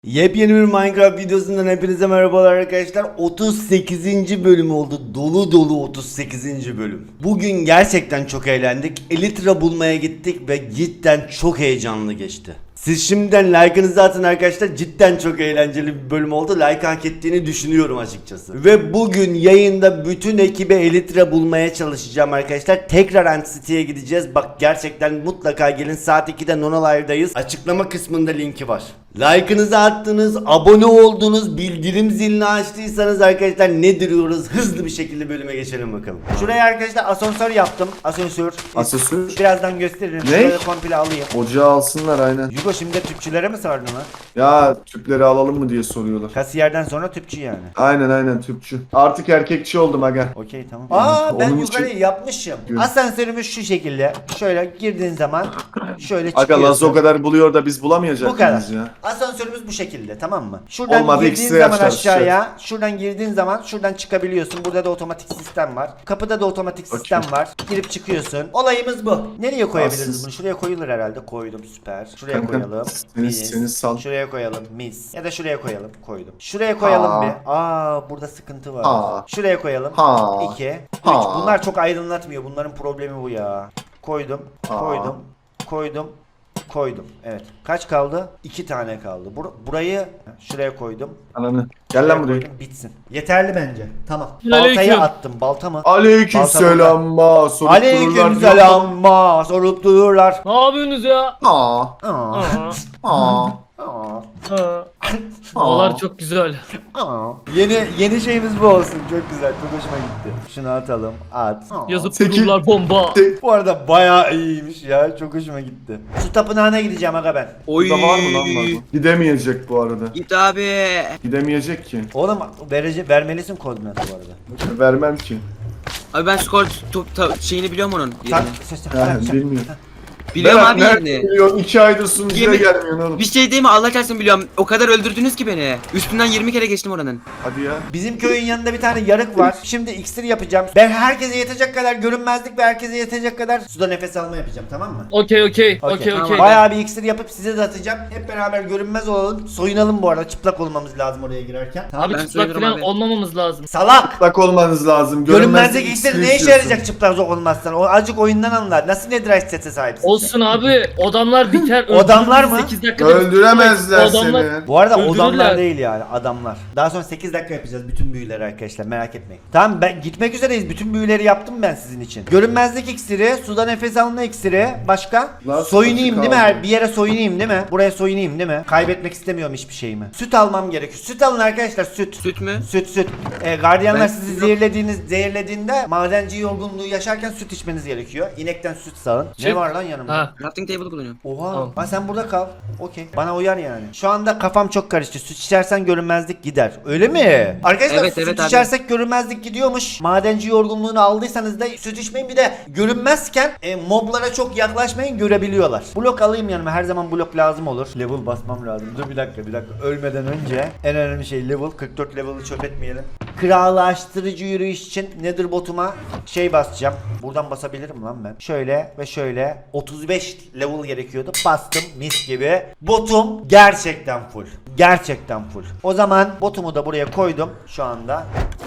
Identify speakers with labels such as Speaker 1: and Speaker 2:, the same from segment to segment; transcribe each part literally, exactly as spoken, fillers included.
Speaker 1: Yepyeni bir Minecraft videosundan hepinize merhabalar arkadaşlar. otuz sekizinci bölüm oldu. Dolu dolu otuz sekizinci bölüm. Bugün gerçekten çok eğlendik. Elytra bulmaya gittik ve cidden çok heyecanlı geçti. Siz şimdiden like'ınızı atın arkadaşlar. Cidden çok eğlenceli bir bölüm oldu. Like hak ettiğini düşünüyorum açıkçası. Ve bugün yayında bütün ekibe Elytra bulmaya çalışacağım arkadaşlar. Tekrar Antity'ye gideceğiz. Bak gerçekten mutlaka gelin. Saat ikide Nona Live'dayız. Açıklama kısmında linki var. Like'ınızı attınız, abone oldunuz, bildirim zilini açtıysanız arkadaşlar ne duruyoruz? Hızlı bir şekilde bölüme geçelim bakalım. Şuraya arkadaşlar asansör yaptım. Asansör.
Speaker 2: Asansör?
Speaker 1: Birazdan gösteririm.
Speaker 2: Ne?
Speaker 1: Şurayı komple alayım.
Speaker 2: Ocağı alsınlar aynen.
Speaker 1: Yugo şimdi de tüpçülere mi sardın lan?
Speaker 2: Ya tüpleri alalım mı diye soruyorlar.
Speaker 1: Kasiyerden sonra tüpçü yani.
Speaker 2: Aynen aynen tüpçü. Artık erkekçi oldum aga.
Speaker 1: Okey tamam. Aa ben
Speaker 2: Onun
Speaker 1: yukarıyı
Speaker 2: için-
Speaker 1: yapmışım. Asansörümüz şu şekilde. Şöyle girdiğin zaman şöyle
Speaker 2: Aga
Speaker 1: çıkıyorsun.
Speaker 2: Laz o kadar buluyor da biz bulamayacak
Speaker 1: Bu kadar.
Speaker 2: mıyız ya?
Speaker 1: Asansörümüz bu şekilde, tamam mı? Şuradan
Speaker 2: Olmadı,
Speaker 1: girdiğin
Speaker 2: ikisini
Speaker 1: zaman
Speaker 2: yapacağız,
Speaker 1: aşağıya, şuradan girdiğin zaman şuradan çıkabiliyorsun. Burada da otomatik sistem var. Kapıda da otomatik sistem
Speaker 2: Okey.
Speaker 1: var. Girip çıkıyorsun. Olayımız bu. Nereye koyabiliriz
Speaker 2: Aslında-
Speaker 1: bunu? Şuraya koyulur herhalde. Koydum, süper. Şuraya
Speaker 2: Kanka,
Speaker 1: koyalım.
Speaker 2: seni-
Speaker 1: Mis.
Speaker 2: seni sal.
Speaker 1: Şuraya koyalım. Mis. Ya da şuraya koyalım. Koydum. Şuraya koyalım
Speaker 2: Ha.
Speaker 1: bir. Aa burada sıkıntı var.
Speaker 2: Ha.
Speaker 1: Şuraya koyalım.
Speaker 2: Ha.
Speaker 1: iki. üç.
Speaker 2: Ha.
Speaker 1: Bunlar çok aydınlatmıyor. Bunların problemi bu ya. Koydum.
Speaker 2: Ha.
Speaker 1: Koydum. Koydum. Koydum. Evet. Kaç kaldı? İki tane kaldı. Bur- burayı şuraya koydum.
Speaker 2: Ananı. Gel
Speaker 1: Şuraya
Speaker 2: lan buraya.
Speaker 1: koydum. Bitsin. Yeterli bence. Tamam.
Speaker 3: Aleyküm.
Speaker 1: Baltayı attım. Balta mı?
Speaker 2: Aleyküm
Speaker 1: Balta
Speaker 2: selam ma. Sorup
Speaker 1: Aleyküm
Speaker 2: dururlar.
Speaker 1: selam. Ma. Sorup dururlar.
Speaker 3: Ne yapıyorsunuz ya?
Speaker 2: Aa.
Speaker 1: Aa.
Speaker 3: Aa,
Speaker 2: Aa.
Speaker 1: Aa.
Speaker 3: aa. Havalar çok güzel.
Speaker 1: Aa. Yeni yeni şeyimiz bu olsun. Çok güzel. Çok hoşuma gitti. Şunu atalım. At. Aa.
Speaker 3: Yazıp
Speaker 2: Sekiz-
Speaker 3: dururlar bomba.
Speaker 1: Bu arada bayağı iyiymiş ya. Çok hoşuma gitti. Su tapınağına gideceğim aga ben.
Speaker 4: Oy.
Speaker 2: Burada var mı lan var mı? Gidemeyecek bu arada.
Speaker 4: Git abi.
Speaker 2: Gidemeyecek ki.
Speaker 1: Oğlum verece vermelisin koordinatı bu arada.
Speaker 2: Vermem ki.
Speaker 4: Abi ben skor top ta- şeyini biliyorum onun.
Speaker 1: Sen,
Speaker 4: Yerini.
Speaker 1: sen, sen,
Speaker 2: Ha,
Speaker 1: sen-
Speaker 2: bilmiyorum.
Speaker 4: Biliyorum
Speaker 2: Berat,
Speaker 4: abi
Speaker 2: nerede
Speaker 4: yerini.
Speaker 2: biliyorsun? İki aydır sunucuya
Speaker 4: Yemin-
Speaker 2: gelmiyorsun oğlum.
Speaker 4: Bir şey değil mi? Allah çarpsın biliyorum. O kadar öldürdünüz ki beni. Üstünden yirmi kere geçtim oranın.
Speaker 2: Hadi ya.
Speaker 1: Bizim köyün yanında bir tane yarık var. Şimdi iksir yapacağım. Ben herkese yetecek kadar görünmezlik ve herkese yetecek kadar suda nefes alma yapacağım, tamam mı?
Speaker 3: Okey okey
Speaker 1: Okey.
Speaker 3: okey okey.
Speaker 1: Bayağı bir iksir yapıp size de atacağım. Hep beraber görünmez olalım. Soyunalım bu arada. Çıplak olmamız lazım oraya girerken. Tamam.
Speaker 3: Abi
Speaker 4: Ben
Speaker 3: çıplak
Speaker 4: söylüyorum
Speaker 3: falan
Speaker 4: abi.
Speaker 3: olmamız lazım.
Speaker 1: Salak!
Speaker 2: Çıplak olmanız lazım.
Speaker 1: Görünmezlik iksir ne işe
Speaker 2: istiyorsun.
Speaker 1: yarayacak çıplak olmazsan? O azıcık oyundan anlar. Nasıl netherite sete sahipsin?
Speaker 3: Olsun abi, odamlar biter.
Speaker 1: Odamlar
Speaker 3: öldürürüz
Speaker 1: mı?
Speaker 3: sekiz dakikada.
Speaker 2: Öldüremezler
Speaker 3: Odamlar-
Speaker 2: seni.
Speaker 1: Bu arada
Speaker 3: Öldürürler.
Speaker 1: odamlar değil yani adamlar. Daha sonra sekiz dakika yapacağız bütün büyüleri arkadaşlar, merak etmeyin. Tamam, ben gitmek üzereyiz. Bütün büyüleri yaptım ben sizin için. Görünmezlik iksiri, suda nefes alma iksiri, başka?
Speaker 2: Nasıl
Speaker 1: Soyunayım
Speaker 2: açık
Speaker 1: değil mi?
Speaker 2: aldın?
Speaker 1: Her bir yere soyunayım değil mi? Buraya soyunayım değil mi? Kaybetmek istemiyorum hiçbir şeyimi. Süt almam gerekiyor. Süt alın arkadaşlar, süt.
Speaker 4: Süt mü?
Speaker 1: Süt süt. Ee, gardiyanlar
Speaker 4: Ben-
Speaker 1: sizi zehirlediğiniz zehirlediğinde madenci yorgunluğu yaşarken süt içmeniz gerekiyor. İnekten süt sağın. Ne
Speaker 3: Süt.
Speaker 1: var lan yanımda?
Speaker 3: Ha.
Speaker 4: Crafting table bulunuyor.
Speaker 1: Oha.
Speaker 3: Tamam.
Speaker 1: Ha sen burada kal. Okey. Bana uyar yani. Şu anda kafam çok karıştı. Süt içersen görünmezlik gider. Öyle mi? Arkadaşlar
Speaker 4: Evet,
Speaker 1: süt
Speaker 4: evet abi.
Speaker 1: içersek görünmezlik gidiyormuş. Madenci yorgunluğunu aldıysanız da süt içmeyin. Bir de görünmezken e, moblara çok yaklaşmayın, görebiliyorlar. Blok alayım yanıma. Her zaman blok lazım olur. Level basmam lazım. Dur bir dakika bir dakika. Ölmeden önce en önemli şey level. kırk dört level'ı çöp etmeyelim. Krallaştırıcı yürüyüş için Nether botuma şey basacağım. Buradan basabilirim lan ben. Şöyle ve şöyle otuz beş level gerekiyordu. Bastım mis gibi. Botum gerçekten full. Gerçekten full. O zaman botumu da buraya koydum şu anda.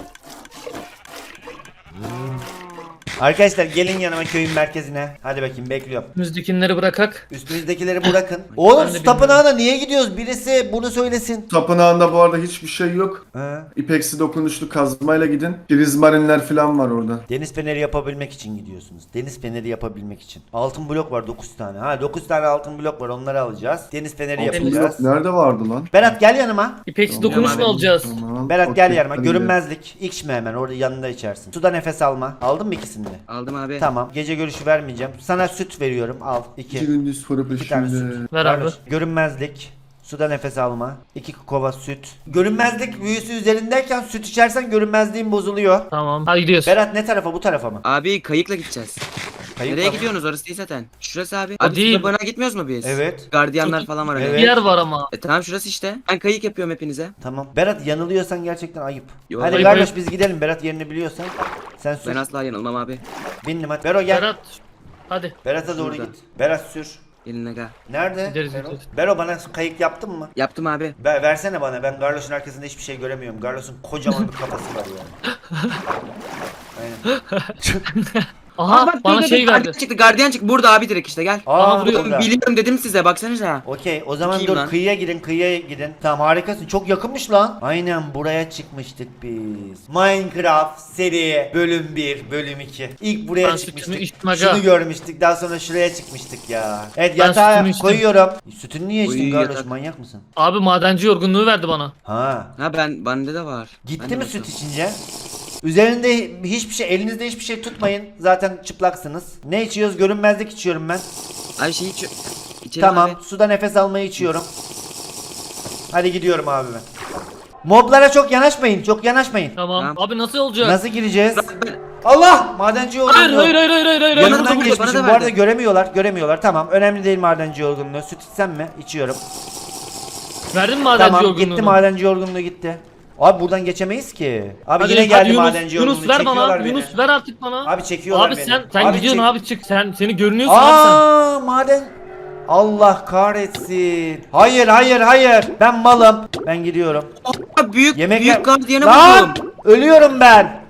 Speaker 1: Arkadaşlar gelin yanıma köyün merkezine. Hadi bakayım bekliyorum.
Speaker 3: Müzdekinleri bırakak.
Speaker 1: Üstünüzdekileri bırakın. Oğlum
Speaker 3: Ben de
Speaker 1: su
Speaker 3: bilmiyorum.
Speaker 1: tapınağına niye gidiyoruz? Birisi bunu söylesin.
Speaker 2: Tapınağında bu arada hiçbir şey yok.
Speaker 1: He.
Speaker 2: İpeksi dokunuşlu kazmayla gidin. Prizmarinler falan var orada.
Speaker 1: Deniz feneri yapabilmek için gidiyorsunuz. Deniz feneri yapabilmek için. Altın blok var dokuz tane. Ha dokuz tane altın blok var, onları alacağız. Deniz feneri
Speaker 2: Altın
Speaker 1: yapacağız.
Speaker 2: blok nerede vardı lan?
Speaker 1: Berat gel yanıma.
Speaker 3: İpeksi
Speaker 2: Tamam.
Speaker 3: dokunuş mu
Speaker 4: Tamam.
Speaker 3: alacağız?
Speaker 2: Tamam.
Speaker 1: Berat gel
Speaker 2: okey,
Speaker 1: yanıma.
Speaker 2: hadi
Speaker 1: Görünmezlik. İçme hemen, orada yanında içersin. Suda nefes alma. Aldın mı ikisini de?
Speaker 4: Aldım abi.
Speaker 1: Tamam. Gece görüşü vermeyeceğim. Sana süt veriyorum. Al. İki.
Speaker 2: İki gündüz sonra
Speaker 1: İki tane
Speaker 2: peşinde.
Speaker 1: süt.
Speaker 3: Ver abi.
Speaker 1: Kardeş, görünmezlik. Suda nefes alma. iki kova süt. Görünmezlik büyüsü üzerindeyken süt içersen görünmezliğin bozuluyor.
Speaker 3: Tamam. Hadi gidiyoruz.
Speaker 1: Berat ne tarafa, bu tarafa mı?
Speaker 4: Abi kayıkla gideceğiz.
Speaker 1: Kayıp
Speaker 4: Nereye
Speaker 1: mı?
Speaker 4: gidiyorsunuz? Orası değil zaten. Şurası abi.
Speaker 3: O
Speaker 4: Abi
Speaker 3: değil.
Speaker 4: bana gitmiyoruz mu biz?
Speaker 1: Evet.
Speaker 4: Gardiyanlar
Speaker 3: Çok-
Speaker 4: falan var hani.
Speaker 1: Evet.
Speaker 3: Bir yer var ama.
Speaker 4: E tamam şurası işte. Ben kayık yapıyorum hepinize.
Speaker 1: Tamam. Berat yanılıyorsan gerçekten ayıp.
Speaker 4: Yok.
Speaker 1: Hadi
Speaker 3: Ayıp,
Speaker 1: kardeş
Speaker 3: ayıp.
Speaker 1: biz gidelim. Berat yerini biliyorsan. Sen sür.
Speaker 4: Ben asla yanılmam abi.
Speaker 1: Bindim hadi. Bero gel.
Speaker 3: Berat. Hadi.
Speaker 1: Berat'a doğru
Speaker 4: Şurada.
Speaker 1: git. Berat sür.
Speaker 4: Gelin aga.
Speaker 1: Nerede?
Speaker 3: Gideriz,
Speaker 1: Bero?
Speaker 3: gideriz.
Speaker 1: Bero bana kayık yaptın mı?
Speaker 4: Yaptım abi.
Speaker 1: Ver, versene bana. Ben Garloş'un arkasında hiçbir şey göremiyorum. Garloş'un kocaman bir kafası var ya. Aynen.
Speaker 3: Aha
Speaker 4: Aa, bak,
Speaker 3: bana
Speaker 4: dur, dur,
Speaker 3: şey
Speaker 4: dur,
Speaker 3: verdi.
Speaker 4: gardiyan çıktı, gardiyan çıktı. Burada abi direkt işte gel.
Speaker 1: Aa,
Speaker 3: Aha, vuruyor.
Speaker 1: burada.
Speaker 4: Biliyorum dedim size, baksanıza.
Speaker 1: Okey, o zaman
Speaker 4: Çok iyi
Speaker 1: dur
Speaker 4: lan.
Speaker 1: kıyıya gidin, kıyıya gidin. Tamam, harikasın. Çok yakınmış lan. Aynen buraya çıkmıştık biz. Minecraft seri bölüm bir, bölüm iki. İlk buraya
Speaker 3: Ben sütümü
Speaker 1: çıkmıştık.
Speaker 3: içtim aga.
Speaker 1: Şunu görmüştük. Daha sonra şuraya çıkmıştık ya. Evet,
Speaker 3: Ben
Speaker 1: yatağa
Speaker 3: sütümü içtim.
Speaker 1: koyuyorum. Sütünü niye içtin
Speaker 4: Uy,
Speaker 1: Garloş?
Speaker 4: yatak.
Speaker 1: Manyak mısın?
Speaker 3: Abi madenci yorgunluğu verdi bana.
Speaker 1: Ha.
Speaker 4: Ha ben bende de var. Ben
Speaker 1: Gitti
Speaker 4: de
Speaker 1: mi
Speaker 4: bakalım.
Speaker 1: süt içince? Üzerinde hiçbir şey, elinizde hiçbir şey tutmayın. Zaten çıplaksınız. Ne içiyoruz? Görünmezlik içiyorum ben.
Speaker 4: Abi şey iç. İçelim
Speaker 1: Tamam,
Speaker 4: abi.
Speaker 1: suda nefes almayı içiyorum. Hadi gidiyorum abi ben. Moblara çok yanaşmayın, çok yanaşmayın.
Speaker 3: Tamam.
Speaker 4: Tamam.
Speaker 3: Abi nasıl olacak?
Speaker 1: Nasıl gireceğiz?
Speaker 4: Ben- ben-
Speaker 1: Allah! Madenci yorgunluğu.
Speaker 3: Hayır hayır hayır hayır hayır hayır.
Speaker 4: Yanına
Speaker 1: Yanından
Speaker 4: da burada, bana
Speaker 1: geçmişim.
Speaker 4: da
Speaker 1: Bu arada
Speaker 4: verdi.
Speaker 1: göremiyorlar, göremiyorlar. Tamam, önemli değil madenci yorgunluğu. Süt içsem mi? İçiyorum.
Speaker 3: Verdin mi madenci
Speaker 1: Tamam,
Speaker 3: yorgunluğunu?
Speaker 1: gitti madenci yorgunluğu gitti. Abi buradan geçemeyiz ki. Abi
Speaker 3: Hadi,
Speaker 1: yine
Speaker 3: hadi
Speaker 1: geldi
Speaker 3: Yunus,
Speaker 1: madenci yorgunluğu.
Speaker 3: Yunus ver
Speaker 1: Çekiyorlar
Speaker 3: bana.
Speaker 1: beni.
Speaker 3: Yunus ver artık bana.
Speaker 1: Abi çekiyorlar
Speaker 3: Abi
Speaker 1: beni.
Speaker 3: sen sen gidiyorsun
Speaker 1: çek-
Speaker 3: abi çık. Sen seni görünüyorsun abi sen.
Speaker 1: Aa, maden. Allah kahretsin. Hayır, hayır, hayır. Ben malım. Ben gidiyorum.
Speaker 4: Aa, büyük
Speaker 1: Yemek
Speaker 4: büyük gardiyanı
Speaker 1: Lan!
Speaker 4: buldum.
Speaker 1: Ölüyorum ben.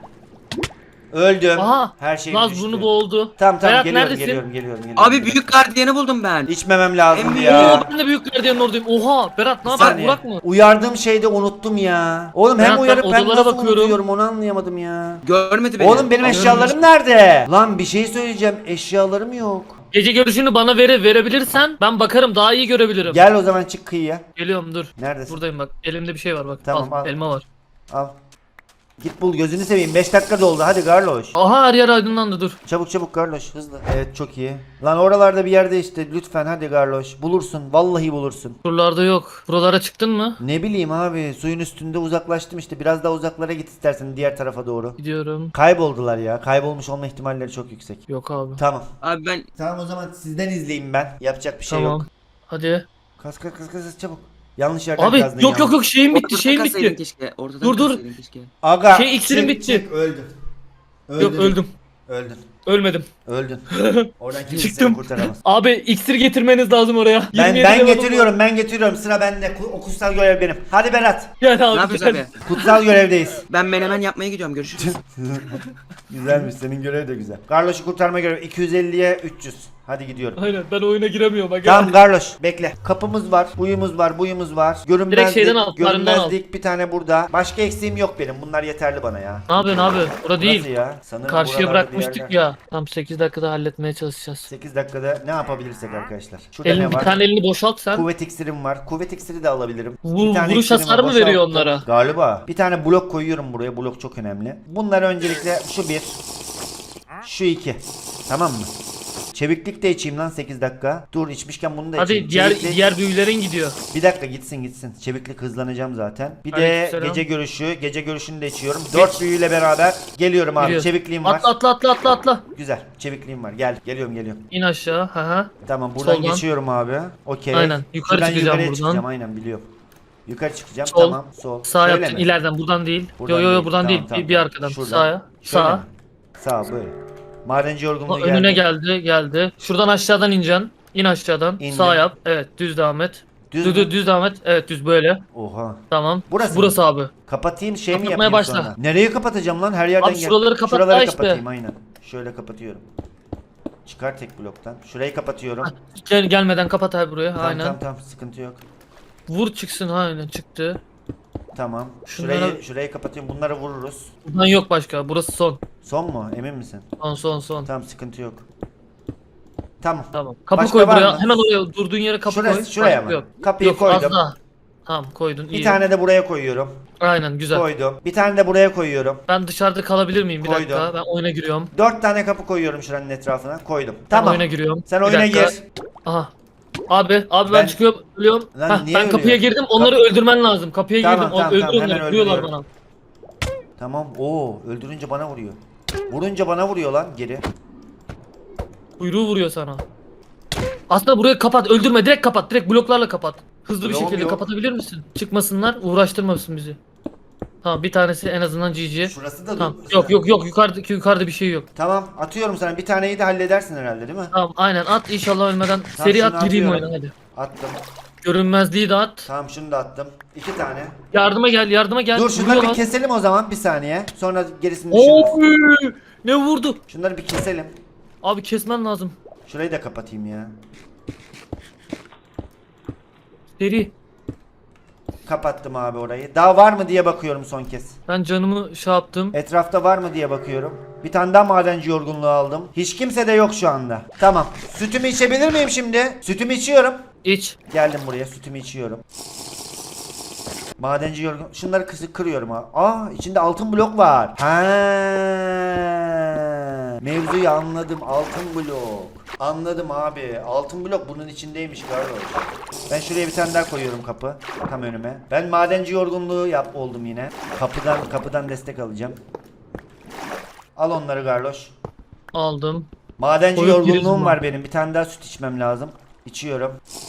Speaker 1: Öldüm.
Speaker 3: Aha.
Speaker 1: Her şey
Speaker 3: Naz
Speaker 1: düştü.
Speaker 3: burnu boğuldu.
Speaker 1: Tamam tamam
Speaker 3: Berat
Speaker 1: geliyorum,
Speaker 3: neredesin?
Speaker 1: geliyorum geliyorum geliyorum.
Speaker 4: Abi büyük gardiyanı buldum ben.
Speaker 1: İçmemem lazımdı
Speaker 4: En
Speaker 1: ya.
Speaker 3: Oo, ben de büyük gardiyanın oradayım. Oha Berat ne
Speaker 1: Bir
Speaker 3: haber?
Speaker 1: saniye.
Speaker 3: Burak mı?
Speaker 1: Uyardığım şeyde unuttum ya. Oğlum hem
Speaker 3: Berat, ben
Speaker 1: uyarıp hem
Speaker 3: odalara
Speaker 1: nasıl
Speaker 3: bakıyorum.
Speaker 1: unutuyorum onu anlayamadım ya.
Speaker 4: Görmedi beni.
Speaker 1: Oğlum benim
Speaker 4: Aa,
Speaker 1: eşyalarım nerede? Lan bir şey söyleyeceğim. Eşyalarım yok.
Speaker 3: Gece görüşünü bana vere verebilirsen ben bakarım daha iyi görebilirim.
Speaker 1: Gel o zaman çık kıyıya.
Speaker 3: Geliyorum dur.
Speaker 1: Neredesin?
Speaker 3: Buradayım bak. Elimde bir şey var bak.
Speaker 1: Tamam,
Speaker 3: al,
Speaker 1: al.
Speaker 3: Elma var.
Speaker 1: Al. Git bul, gözünü seveyim. beş dakika doldu. Hadi Garloş.
Speaker 3: Aha her yer aydınlandı dur.
Speaker 1: Çabuk çabuk Garloş, hızlı. Evet, çok iyi. Lan oralarda bir yerde işte, lütfen hadi Garloş. Bulursun. Vallahi bulursun.
Speaker 3: Buralarda yok. Buralara çıktın mı?
Speaker 1: Ne bileyim abi, suyun üstünde uzaklaştım işte. Biraz daha uzaklara git istersen, diğer tarafa doğru.
Speaker 3: Gidiyorum.
Speaker 1: Kayboldular ya. Kaybolmuş olma ihtimalleri çok yüksek.
Speaker 3: Yok abi.
Speaker 1: Tamam.
Speaker 4: Abi ben
Speaker 1: Tamam, o zaman sizden izleyeyim ben. Yapacak bir şey
Speaker 3: Tamam.
Speaker 1: yok.
Speaker 3: Hadi.
Speaker 1: Kas kas kas kas çabuk. Yanlış yerden
Speaker 3: Abi
Speaker 1: kazdın
Speaker 3: yok
Speaker 1: yalnız.
Speaker 3: yok yok şeyim bitti
Speaker 4: ortadan
Speaker 3: şeyim
Speaker 4: kassaydın
Speaker 3: bitti.
Speaker 4: keşke. Ortadan
Speaker 3: Dur, dur.
Speaker 4: kassaydın keşke.
Speaker 1: Aga.
Speaker 3: Şey, iksirim
Speaker 1: çık,
Speaker 3: bitti.
Speaker 1: çık, öldün.
Speaker 3: Yok öldüm.
Speaker 1: Öldün.
Speaker 3: Ölmedim.
Speaker 1: Öldün. Oradan kimse seni
Speaker 3: Çıktım.
Speaker 1: kurtaramaz.
Speaker 3: Abi iksir getirmeniz lazım oraya.
Speaker 1: Ben
Speaker 3: yirmi yedi
Speaker 1: ben
Speaker 3: level'ım
Speaker 1: getiriyorum, ben getiriyorum. Sıra bende. Ku- O kutsal görev benim. Hadi Berat.
Speaker 3: var. Gel
Speaker 4: Ne
Speaker 3: abi
Speaker 4: yapıyoruz
Speaker 3: gel.
Speaker 4: abi?
Speaker 1: Kutsal görevdeyiz.
Speaker 4: Ben menemen yapmaya gidiyorum, görüşürüz.
Speaker 1: Güzelmiş, senin görev de güzel. Garloş'u kurtarma görevi iki yüz elliye üç yüz. Hadi gidiyorum.
Speaker 3: Aynen ben oyuna giremiyorum. Bak,
Speaker 1: Tamam Garloş, bekle. Kapımız var, buyumuz var, buyumuz var. Görünmezlik,
Speaker 3: Direkt şeyden al, farından al.
Speaker 1: görünmezlik bir tane burada. Başka eksiğim yok benim. Bunlar yeterli bana ya.
Speaker 3: Ne yapıyorsun abi? Bura değil.
Speaker 1: Nasıl ya? Sanırım
Speaker 3: Karşıya
Speaker 1: buralarda bir
Speaker 3: bırakmıştık
Speaker 1: yerler.
Speaker 3: ya. Tam sekiz dakikada halletmeye çalışacağız.
Speaker 1: sekiz dakikada ne yapabilirsek arkadaşlar. Şurada
Speaker 3: Elin,
Speaker 1: ne
Speaker 3: bir
Speaker 1: var?
Speaker 3: tane elini boşalt sen.
Speaker 1: Kuvvet iksirim var. Kuvvet iksiri de alabilirim.
Speaker 3: Vur-
Speaker 1: Bir tane
Speaker 3: vuruş
Speaker 1: iksirim
Speaker 3: hasarı
Speaker 1: var,
Speaker 3: mı veriyor
Speaker 1: boşalttım.
Speaker 3: onlara?
Speaker 1: Galiba. Bir tane blok koyuyorum buraya. Blok çok önemli. Bunlar öncelikle şu bir. Şu iki. Tamam mı? Çeviklik de içeyim lan sekiz dakika. Dur, içmişken bunu da içeyim.
Speaker 3: Hadi diğer
Speaker 1: Çeviklik-
Speaker 3: diğer büyülerin gidiyor.
Speaker 1: Bir dakika, gitsin gitsin. Çeviklik hızlanacağım zaten. Bir de
Speaker 3: Aleykümselam.
Speaker 1: gece görüşü. Gece görüşünü de içiyorum. Dört büyüyle beraber geliyorum abi.
Speaker 3: Giriyoruz.
Speaker 1: Çevikliğim var.
Speaker 3: Atla atla atla atla atla.
Speaker 1: Güzel. Çevikliğim var. Gel. Geliyorum geliyorum.
Speaker 3: İn aşağı. Ha ha.
Speaker 1: Tamam, buradan
Speaker 3: Soldan.
Speaker 1: geçiyorum abi. Okey.
Speaker 3: Aynen, yukarı
Speaker 1: Şuradan
Speaker 3: çıkacağım
Speaker 1: yukarıya
Speaker 3: buradan.
Speaker 1: çıkacağım, aynen biliyorum. Yukarı çıkacağım.
Speaker 3: Sol.
Speaker 1: Tamam. Sol.
Speaker 3: Sağ
Speaker 1: Şöyle
Speaker 3: yaptın
Speaker 1: mi?
Speaker 3: ileriden buradan değil.
Speaker 1: Buradan
Speaker 3: yo yo yo
Speaker 1: değil.
Speaker 3: buradan
Speaker 1: Tamam,
Speaker 3: değil.
Speaker 1: tamam,
Speaker 3: bir, bir
Speaker 1: tamam.
Speaker 3: arkadan.
Speaker 1: Şuradan.
Speaker 3: Sağa.
Speaker 1: Şöyle
Speaker 3: Sağa.
Speaker 1: mi? Sağ böyle. Madenci yorgunluğu
Speaker 3: O
Speaker 1: geldi.
Speaker 3: önüne geldi geldi. Şuradan aşağıdan ineceksin. İn aşağıdan.
Speaker 1: İndim.
Speaker 3: Sağ yap. Evet düz devam et.
Speaker 1: Düz
Speaker 3: Düz
Speaker 1: mü?
Speaker 3: düz, düz devam et. Evet düz böyle.
Speaker 1: Oha.
Speaker 3: Tamam.
Speaker 1: Burası
Speaker 3: Burası
Speaker 1: mı?
Speaker 3: abi.
Speaker 1: Kapatayım, şey mi
Speaker 3: Kapatmaya
Speaker 1: yapayım
Speaker 3: başla.
Speaker 1: sonra? Nereye kapatacağım lan? Her yerden
Speaker 3: Abi
Speaker 1: gel.
Speaker 3: şuraları kapat
Speaker 1: Şuraları
Speaker 3: daha işte.
Speaker 1: kapatayım aynen. Şöyle kapatıyorum. Çıkar tek bloktan. Şurayı kapatıyorum.
Speaker 3: Gel, gelmeden kapat abi buraya.
Speaker 1: Tamam
Speaker 3: Aynen.
Speaker 1: tamam tamam, sıkıntı yok.
Speaker 3: Vur çıksın aynen çıktı.
Speaker 1: Tamam.
Speaker 3: Şunlara-
Speaker 1: Şurayı şurayı kapatıyorum. Bunları vururuz.
Speaker 3: Buradan yok başka. Burası son.
Speaker 1: Son mu? Emin misin?
Speaker 3: Son son son.
Speaker 1: Tamam, sıkıntı yok. Tamam.
Speaker 3: Tamam. Kapı
Speaker 1: Başka
Speaker 3: koy
Speaker 1: var
Speaker 3: buraya.
Speaker 1: mı?
Speaker 3: Hemen oraya durduğun yere kapı
Speaker 1: Şurası-
Speaker 3: koy.
Speaker 1: şuraya
Speaker 3: Başka
Speaker 1: mı?
Speaker 3: Yok.
Speaker 1: Kapıyı
Speaker 3: yok,
Speaker 1: koydum.
Speaker 3: Az daha. Tamam koydun iyi.
Speaker 1: Bir tane de buraya koyuyorum.
Speaker 3: Aynen güzel.
Speaker 1: Koydum. Bir tane de buraya koyuyorum.
Speaker 3: Ben dışarıda kalabilir miyim bir
Speaker 1: Koydum.
Speaker 3: dakika? Ben oyuna giriyorum.
Speaker 1: Dört tane kapı koyuyorum şuranın etrafına. Koydum.
Speaker 3: Ben
Speaker 1: Tamam.
Speaker 3: oyuna giriyorum.
Speaker 1: Sen
Speaker 3: Bir
Speaker 1: oyuna
Speaker 3: dakika.
Speaker 1: gir.
Speaker 3: Aha. Abi, abi ben,
Speaker 1: Ben-
Speaker 3: çıkıyorum, ölüyorum.
Speaker 1: Lan
Speaker 3: Hah,
Speaker 1: niye
Speaker 3: ben kapıya
Speaker 1: ölüyorsun?
Speaker 3: girdim, onları öldürmen lazım. Kapıya
Speaker 1: Tamam,
Speaker 3: girdim,
Speaker 1: tamam,
Speaker 3: öldür
Speaker 1: tamam, hemen
Speaker 3: onları, vuruyorlar
Speaker 1: öldürüyorum.
Speaker 3: bana.
Speaker 1: Tamam. Oo, öldürünce bana vuruyor. Vurunca bana vuruyor lan geri.
Speaker 3: Kuyruğu vuruyor sana. Aslında burayı kapat, öldürme, direkt kapat, direkt bloklarla kapat. Hızlı bir
Speaker 1: Bloğum
Speaker 3: şekilde
Speaker 1: yok.
Speaker 3: kapatabilir misin? Çıkmasınlar, uğraştırmasın bizi. Tamam bir tanesi en azından G G.
Speaker 1: Şurası da
Speaker 3: Tamam.
Speaker 1: dur-
Speaker 3: Yok yok yok yukarıdaki yukarıda bir şey yok.
Speaker 1: Tamam atıyorum sana. Bir taneyi de halledersin herhalde değil mi?
Speaker 3: Tamam aynen at inşallah ölmeden. Seri
Speaker 1: şunu
Speaker 3: at gireyim
Speaker 1: atıyorum.
Speaker 3: oyuna hadi.
Speaker 1: Attım.
Speaker 3: Görünmezliği de at.
Speaker 1: Tamam şunu da attım. İki tane.
Speaker 3: Yardıma gel yardıma gel.
Speaker 1: Dur şunları bir
Speaker 3: Vuruyorlar.
Speaker 1: keselim o zaman bir saniye. Sonra gerisini düşünürüz.
Speaker 3: Oy! Ne vurdu?
Speaker 1: Şunları bir keselim.
Speaker 3: Abi kesmen lazım.
Speaker 1: Şurayı da kapatayım ya.
Speaker 3: Seri.
Speaker 1: Kapattım abi orayı. Daha var mı diye bakıyorum son kez.
Speaker 3: Ben canımı şey yaptım.
Speaker 1: Etrafta var mı diye bakıyorum. Bir tane daha madenci yorgunluğu aldım. Hiç kimse de yok şu anda. Tamam. Sütümü içebilir miyim şimdi? Sütümü içiyorum.
Speaker 3: İç.
Speaker 1: Geldim buraya sütümü içiyorum. Madenci yorgun. Şunları kısık kırıyorum abi. Aa içinde altın blok var. Ha. Mevzuyu anladım. Altın blok. Anladım abi. Altın blok bunun içindeymiş galiba. Ben şuraya bir tane daha koyuyorum kapı. Tam önüme. Ben madenci yorgunluğu yap oldum yine. Kapıdan kapıdan destek alacağım. Al onları Garloş.
Speaker 3: Aldım.
Speaker 1: Madenci
Speaker 3: Koyup gireriz
Speaker 1: yorgunluğum
Speaker 3: mi?
Speaker 1: var benim. Bir tane daha süt içmem lazım. İçiyorum.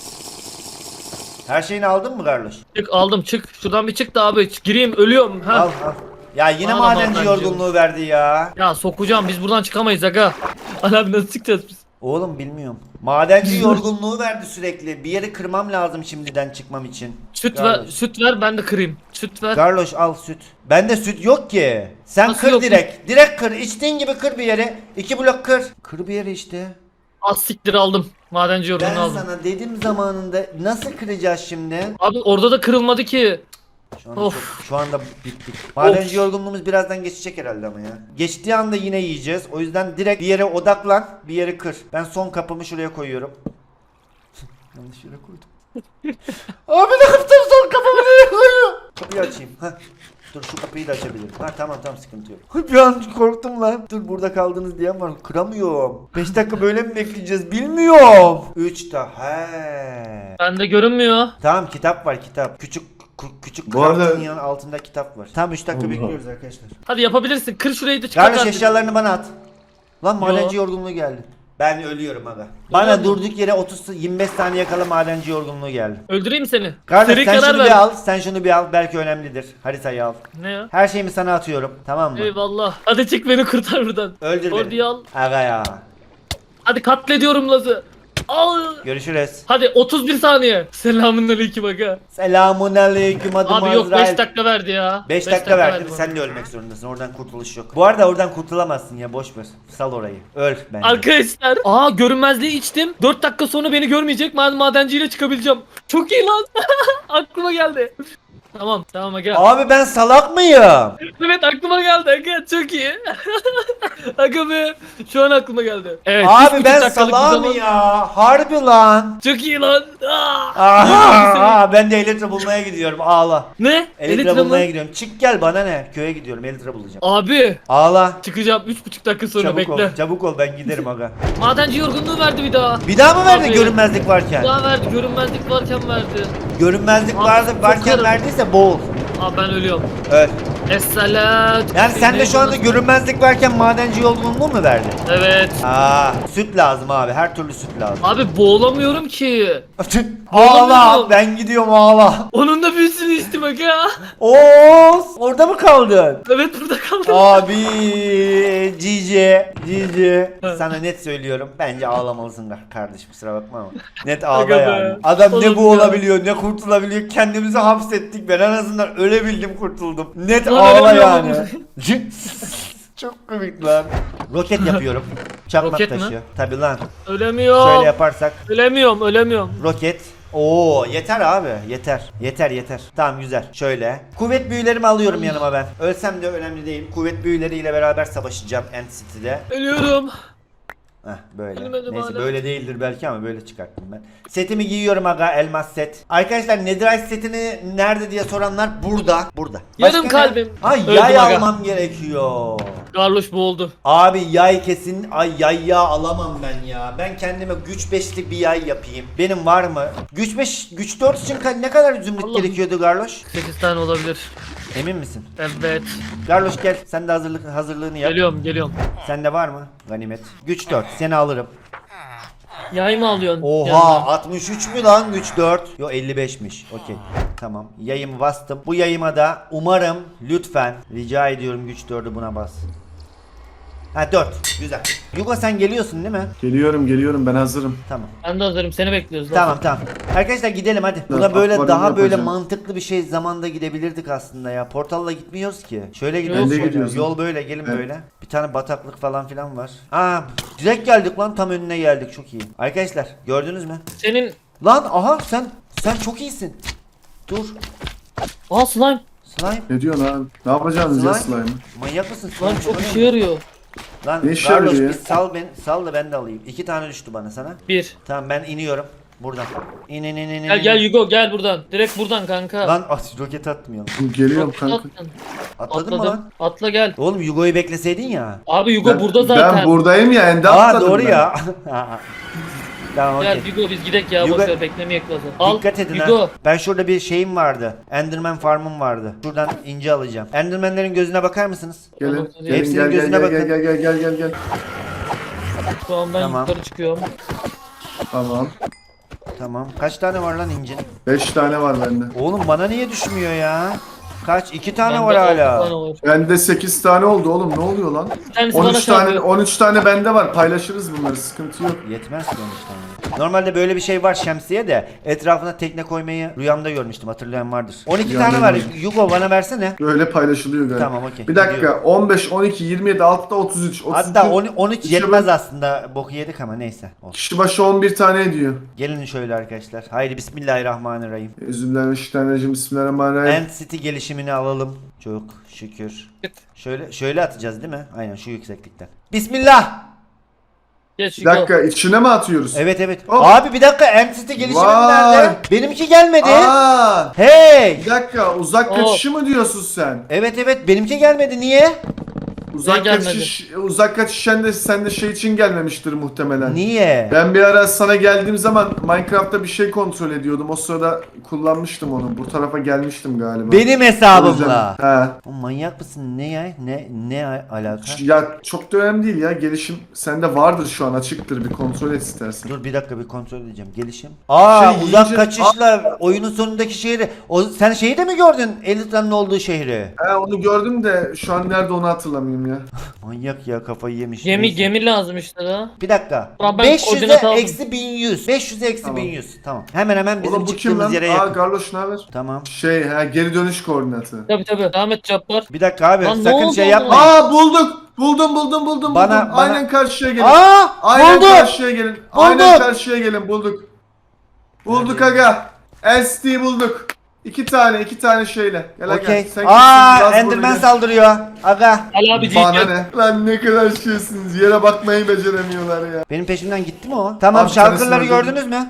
Speaker 1: Her şeyini aldın mı Garloş?
Speaker 3: Çık aldım çık. Şuradan bir çık da abi. Çık, gireyim ölüyorum. Ha.
Speaker 1: Al al. Ya yine
Speaker 3: Bana da
Speaker 1: madenci
Speaker 3: madenci
Speaker 1: yorgunluğu verdi ya.
Speaker 3: Ya sokacağım biz buradan çıkamayız aga. Ali abi nasıl çıkacağız biz?
Speaker 1: Oğlum bilmiyorum. Madenci yorgunluğu verdi sürekli. Bir yeri kırmam lazım şimdiden çıkmam için.
Speaker 3: Süt ver,
Speaker 1: Garloş.
Speaker 3: süt ver ben de kırayım. Süt ver.
Speaker 1: Garloş al süt. Bende süt yok ki. Sen
Speaker 3: Nasıl
Speaker 1: kır
Speaker 3: yok?
Speaker 1: direkt. Direkt kır. İçtiğin gibi kır bir yere. İki blok kır. Kır bir yere işte.
Speaker 3: Az siktir aldım. Madenci
Speaker 1: Ben
Speaker 3: yorgunluğu aldım.
Speaker 1: sana dedim zamanında nasıl kıracağız şimdi?
Speaker 3: Abi orada da kırılmadı ki.
Speaker 1: Şu anda,
Speaker 3: Of.
Speaker 1: çok, şu anda bittik. Madenci yorgunluğumuz birazdan geçecek herhalde ama ya. Geçtiği anda yine yiyeceğiz. O yüzden direkt bir yere odaklan, bir yere kır. Ben son kapımı şuraya koyuyorum. Yanlış yere koydum. Abi ne yaptım son kapımı nereye koyuyorum? Kapıyı açayım. Heh. Dur şu kapıyı da açabilirim. Ha tamam tamam sıkıntı yok. Bir an korktum lan. Dur burada kaldınız diyen var. Kıramıyorum. beş dakika böyle mi bekleyeceğiz bilmiyorum. üç ta. He.
Speaker 3: Bende görünmüyor.
Speaker 1: Tamam kitap var kitap. Küçük kü- küçük
Speaker 2: Bu arada-
Speaker 1: kraftın yanı altında kitap var. Tamam üç dakika
Speaker 2: Allah.
Speaker 1: bekliyoruz arkadaşlar.
Speaker 3: Hadi yapabilirsin. Kır şurayı da çıkar.
Speaker 1: Garloş
Speaker 3: artık.
Speaker 1: eşyalarını bana at. Lan madenci
Speaker 3: Yo.
Speaker 1: yorgunluğu geldi. Ben ölüyorum aga. Bana durduk yere otuz yirmi beş saniye kala madenci yorgunluğu geldi.
Speaker 3: Öldüreyim seni.
Speaker 1: Garloş
Speaker 3: Seri
Speaker 1: sen
Speaker 3: karar
Speaker 1: şunu
Speaker 3: ver.
Speaker 1: bir al. Sen şunu bir al. Belki önemlidir. Haritayı al.
Speaker 3: Ne ya?
Speaker 1: Her şeyimi sana atıyorum. Tamam mı?
Speaker 3: Eyvallah. Hadi çık beni kurtar buradan.
Speaker 1: Öldür
Speaker 3: Orduyu
Speaker 1: beni.
Speaker 3: al.
Speaker 1: Aga ya.
Speaker 3: Hadi katlediyorum Laz'ı. Al.
Speaker 1: Görüşürüz.
Speaker 3: Hadi otuz bir saniye. Selamünaleyküm aga.
Speaker 1: Selamun aleyküm adım
Speaker 3: Abi yok
Speaker 1: Azrail.
Speaker 3: beş dakika verdi ya.
Speaker 1: beş
Speaker 3: Beş
Speaker 1: dakika verdi.
Speaker 3: bana.
Speaker 1: Sen de ölmek zorundasın. Oradan kurtuluş yok. Bu arada oradan kurtulamazsın ya. Boş ver. Sal orayı. Öl bence.
Speaker 3: Arkadaşlar. Aa görünmezliği içtim. dört dakika sonra beni görmeyecek. Ben madenciyle çıkabileceğim. Çok iyi lan. Aklıma geldi. Tamam tamam aga.
Speaker 1: Abi ben salak mıyım?
Speaker 3: Evet aklıma geldi aga çok iyi. Aga be şu an aklıma geldi. Evet. üç
Speaker 1: Abi
Speaker 3: buçuk
Speaker 1: ben
Speaker 3: dakikalık bir
Speaker 1: salağım
Speaker 3: zaman-
Speaker 1: ya. Harbi lan.
Speaker 3: Çok iyi lan. Aa!
Speaker 1: Aha, ben de Elytra bulmaya gidiyorum. Ağla.
Speaker 3: Ne?
Speaker 1: Elytra
Speaker 3: Elytra mı?
Speaker 1: bulmaya gidiyorum. Çık gel bana ne? Köye gidiyorum. Elytra bulacağım.
Speaker 3: Abi
Speaker 1: Ağla.
Speaker 3: çıkacağım üç buçuk dakika sonra
Speaker 1: Çabuk
Speaker 3: bekle.
Speaker 1: ol. Çabuk ol ben giderim aga.
Speaker 3: Madenci yorgunluğu verdi bir daha.
Speaker 1: Bir daha mı verdi
Speaker 3: Abi.
Speaker 1: görünmezlik
Speaker 3: Bir
Speaker 1: varken?
Speaker 3: daha verdi görünmezlik varken verdi.
Speaker 1: Görünmezlik
Speaker 3: Abi,
Speaker 1: vardı
Speaker 3: çok
Speaker 1: varken
Speaker 3: karım.
Speaker 1: verdiyse boğul.
Speaker 3: Aa ben ölüyorum.
Speaker 1: Öl.
Speaker 3: Esselat.
Speaker 1: Yani sen de şu anda görünmezlik varken madenci yorgunluğu mu verdi?
Speaker 3: Evet.
Speaker 1: Aa, süt lazım abi. Her türlü süt lazım.
Speaker 3: Abi boğulamıyorum ki.
Speaker 1: Ağla.
Speaker 3: Oğlum.
Speaker 1: Ben gidiyorum ağla.
Speaker 3: Onun da büyüsünü içtim aga.
Speaker 1: Oos. Orada mı kaldın?
Speaker 3: Evet burada kaldım.
Speaker 1: Abi Cici Cici sana net söylüyorum bence ağlamalısın kardeşim kusura bakma ama net ağla
Speaker 3: Aga be.
Speaker 1: yani adam ne
Speaker 3: Oğlum
Speaker 1: bu
Speaker 3: ya.
Speaker 1: olabiliyor ne kurtulabiliyor kendimizi hapsettik ben en azından ölebildim kurtuldum net
Speaker 3: Lan
Speaker 1: ağla
Speaker 3: ölemiyorum.
Speaker 1: yani çok komik lan roket yapıyorum çakmak
Speaker 3: Roket mi?
Speaker 1: taşı tabi lan
Speaker 3: Ölemiyorum.
Speaker 1: şöyle yaparsak
Speaker 3: Ölemiyorum ölemiyorum.
Speaker 1: roket. Oo yeter abi yeter yeter yeter tamam güzel şöyle kuvvet büyülerimi alıyorum yanıma ben ölsem de önemli değil kuvvet büyüleriyle beraber savaşacağım End City'de.
Speaker 3: Ölüyorum.
Speaker 1: Heh böyle
Speaker 3: Ölmedim
Speaker 1: neyse
Speaker 3: hala.
Speaker 1: böyle değildir belki ama böyle çıkarttım ben setimi giyiyorum aga elmas set arkadaşlar Netherite setini nerede diye soranlar burada burada
Speaker 3: Yarım
Speaker 1: ne?
Speaker 3: kalbim.
Speaker 1: Ay
Speaker 3: Öldüm
Speaker 1: yay
Speaker 3: aga.
Speaker 1: almam gerekiyor.
Speaker 3: Garloş boğuldu.
Speaker 1: Abi yay kesin ay yay ya alamam ben ya. Ben kendime güç beşli bir yay yapayım. Benim var mı? Güç beş güç dört için ka- ne kadar zümrüt
Speaker 3: Allah'ım.
Speaker 1: gerekiyordu Garloş?
Speaker 3: sekiz tane olabilir.
Speaker 1: Emin misin?
Speaker 3: Evet.
Speaker 1: Garloş gel. Sen de hazırlık hazırlığını yap.
Speaker 3: Geliyorum geliyorum.
Speaker 1: Sende var mı? Ganimet. Güç dört. Seni alırım.
Speaker 3: Yay mı alıyorsun?
Speaker 1: Oha
Speaker 3: yanına?
Speaker 1: altmış üç mü lan güç dört? Yo elli beşmiş. Okey. Tamam. Yayımı bastım. Bu yayıma da umarım lütfen rica ediyorum güç dördü buna bas. Ha dört. Güzel. Yugo sen geliyorsun değil mi?
Speaker 2: Geliyorum geliyorum ben hazırım.
Speaker 1: Tamam.
Speaker 3: Ben de hazırım, seni bekliyoruz. lan.
Speaker 1: Tamam tamam. Arkadaşlar gidelim hadi. Buna
Speaker 2: Evet,
Speaker 1: böyle
Speaker 2: akvaryum
Speaker 1: daha böyle
Speaker 2: yapacağım.
Speaker 1: mantıklı bir şey zamanda gidebilirdik aslında ya. Portalla gitmiyoruz ki. Şöyle
Speaker 3: Ben
Speaker 1: gidiyoruz.
Speaker 2: de
Speaker 1: şöyle.
Speaker 2: gidiyoruz.
Speaker 1: Yol böyle gelin
Speaker 2: Evet.
Speaker 1: böyle. Bir tane bataklık falan filan var. Aa direkt geldik lan tam önüne geldik çok iyi. Arkadaşlar gördünüz mü?
Speaker 3: Senin...
Speaker 1: Lan aha sen sen çok iyisin. Dur.
Speaker 3: Aa slime.
Speaker 1: Slime.
Speaker 2: Ne diyorsun abi? Ne yapacaksınız ya
Speaker 1: Slime.
Speaker 2: slime'ı?
Speaker 1: Manyak mısın? Slime
Speaker 3: Lan çok
Speaker 1: öyle
Speaker 3: işe
Speaker 1: mi?
Speaker 3: yarıyor.
Speaker 1: Lan
Speaker 2: Ne işe
Speaker 1: Carlos
Speaker 2: yarıyor
Speaker 1: bir
Speaker 2: ya?
Speaker 1: sal ben sal da ben de alayım. İki tane düştü bana sana.
Speaker 3: Bir.
Speaker 1: Tamam ben iniyorum. Buradan. İn in in in. in.
Speaker 3: Gel gel Yugo gel buradan. Direkt buradan kanka.
Speaker 1: Lan at roket atmayalım.
Speaker 2: Geliyorum
Speaker 3: Çok
Speaker 2: kanka.
Speaker 3: tatlısın.
Speaker 1: Atladın mı
Speaker 3: Atladım.
Speaker 1: lan?
Speaker 3: Atla gel.
Speaker 1: Oğlum Yugo'yu bekleseydin ya.
Speaker 3: Abi Yugo
Speaker 2: Ben,
Speaker 3: burada zaten.
Speaker 2: ben buradayım ya ende
Speaker 1: Aa
Speaker 2: atladım
Speaker 1: doğru
Speaker 2: ben.
Speaker 1: ya. Tamam okey.
Speaker 3: Gel Yugo biz gidek ya.
Speaker 1: Yugo-
Speaker 3: Boşver beklemeyek lazım. Al
Speaker 1: Dikkat edin ha.
Speaker 3: Yugo.
Speaker 1: Ben şurada bir şeyim vardı. Enderman farmım vardı. Şuradan ince alacağım. Endermanlerin gözüne bakar mısınız?
Speaker 2: Gelin.
Speaker 3: Tamam,
Speaker 2: Gelin
Speaker 1: hepsinin
Speaker 2: gel gel
Speaker 1: gözüne
Speaker 2: gel,
Speaker 1: bakın.
Speaker 2: gel gel gel gel gel.
Speaker 3: Şu an ben
Speaker 1: Tamam.
Speaker 3: yukarı çıkıyorum.
Speaker 2: Tamam.
Speaker 1: Tamam. Kaç tane var lan incin?
Speaker 2: beş tane var bende.
Speaker 1: Oğlum bana niye düşmüyor ya? Kaç? İki tane
Speaker 3: Bende
Speaker 1: var
Speaker 3: altı
Speaker 1: hala.
Speaker 3: tane var.
Speaker 2: Bende sekiz tane oldu oğlum ne oluyor lan?
Speaker 3: Bir tanesi bana
Speaker 2: on üç tane
Speaker 3: çarpıyor.
Speaker 2: on üç tane bende var. Paylaşırız bunları. Sıkıntı yok.
Speaker 1: Yetmez ki on üç tane. Normalde böyle bir şey var şemsiye de etrafına tekne koymayı rüyamda görmüştüm. Hatırlayan vardır. on iki
Speaker 2: Rüyamda
Speaker 1: tane var.
Speaker 2: görmüştüm.
Speaker 1: Yugo bana versene.
Speaker 2: Böyle paylaşılıyor galiba.
Speaker 1: Tamam okey.
Speaker 2: Bir dakika.
Speaker 1: Gidiyorum.
Speaker 2: on beş, on iki, yirmi yedi, altıda otuz üç. otuz iki,
Speaker 1: Hatta on, on üç
Speaker 2: kişi
Speaker 1: yetmez
Speaker 2: başı-
Speaker 1: aslında. Boku yedik ama neyse. Olsun.
Speaker 2: Kişi başı on bir tane ediyor.
Speaker 1: Gelin şöyle arkadaşlar. Haydi bismillahirrahmanirrahim.
Speaker 2: Üzümlenmişlerine Bismillahirrahmanirrahim.
Speaker 1: End City gelişimini alalım. Çok şükür. Şöyle şöyle atacağız değil mi? Aynen şu yükseklikten. Bismillah.
Speaker 3: Geç
Speaker 2: Bir
Speaker 3: Yugo.
Speaker 2: dakika içine mi atıyoruz?
Speaker 1: Evet evet.
Speaker 2: Hop.
Speaker 1: Abi bir dakika End City gelişimi
Speaker 2: Vay.
Speaker 1: nerede? Benimki gelmedi.
Speaker 2: Aa,
Speaker 1: Hey.
Speaker 2: bir dakika uzak
Speaker 3: Hop.
Speaker 2: kaçışı mı diyorsun sen?
Speaker 1: Evet evet benimki gelmedi. Niye?
Speaker 2: Uzak
Speaker 3: gelmedi?
Speaker 2: kaçış uzak kaçışan da sende şey için gelmemiştir muhtemelen.
Speaker 1: Niye?
Speaker 2: Ben bir ara sana geldiğim zaman Minecraft'ta bir şey kontrol ediyordum. O sırada kullanmıştım onu. Bu tarafa gelmiştim galiba.
Speaker 1: Benim
Speaker 2: O
Speaker 1: hesabımla.
Speaker 2: yüzden- He.
Speaker 1: O manyak mısın? Ne ya? Ne ne a- alaka?
Speaker 2: Ya çok da önemli değil ya. Gelişim sende vardır şu an açıktır. Bir kontrol et istersen.
Speaker 1: Dur bir dakika bir kontrol edeceğim. Gelişim. Aa
Speaker 2: Şey,
Speaker 1: uzak
Speaker 2: yiyince-
Speaker 1: kaçışla oyunun sonundaki şehri. O sen şeyi de mi gördün? Elitra'nın olduğu şehri.
Speaker 2: He onu gördüm de şu an nerede onu hatırlamıyorum ya.
Speaker 1: Manyak ya kafayı yemiş.
Speaker 3: Gemi
Speaker 1: Neyse.
Speaker 3: gemi lazım işte da.
Speaker 1: Bir dakika.
Speaker 3: Ulan ben
Speaker 1: beş yüze
Speaker 3: koordinat aldım.
Speaker 1: eksi bin yüz. beş yüze eksi
Speaker 2: Tamam.
Speaker 1: bin yüz. Tamam. Hemen hemen bizim
Speaker 2: Oğlum bu kim
Speaker 1: çıktığımız
Speaker 2: lan?
Speaker 1: yere
Speaker 2: Aa
Speaker 1: yakın.
Speaker 2: Garloş ne haber?
Speaker 1: Tamam.
Speaker 2: Şey ha geri dönüş koordinatı.
Speaker 3: Tabi tabi. Ahmet Cabbar.
Speaker 1: Bir dakika abi
Speaker 3: Lan ne
Speaker 1: sakın
Speaker 3: oldu
Speaker 1: şey
Speaker 3: oğlum?
Speaker 1: yapmayın.
Speaker 2: Aa bulduk. Buldum buldum buldum
Speaker 1: Bana-
Speaker 2: buldum.
Speaker 1: bana-
Speaker 2: Aynen karşıya gelin.
Speaker 1: Aa!
Speaker 2: Aynen
Speaker 1: bulduk!
Speaker 2: karşıya gelin. Aynen
Speaker 1: Bulduk!
Speaker 2: karşıya gelin bulduk. Bulduk aga. L S D bulduk. İki tane iki tane şeyle. Gel aga.
Speaker 1: Okey.
Speaker 2: Sen
Speaker 1: Aa
Speaker 2: kimsin? Yaz
Speaker 1: Enderman
Speaker 2: bunu,
Speaker 1: saldırıyor. Aga.
Speaker 3: Al abi
Speaker 2: gel. Bana
Speaker 3: gel.
Speaker 2: ne? Lan ne kadar şeysiniz. Yere bakmayı beceremiyorlar ya.
Speaker 1: Benim peşimden gitti mi o? Tamam
Speaker 2: Abi,
Speaker 1: şarkıları
Speaker 2: tanesini
Speaker 1: gördünüz mü?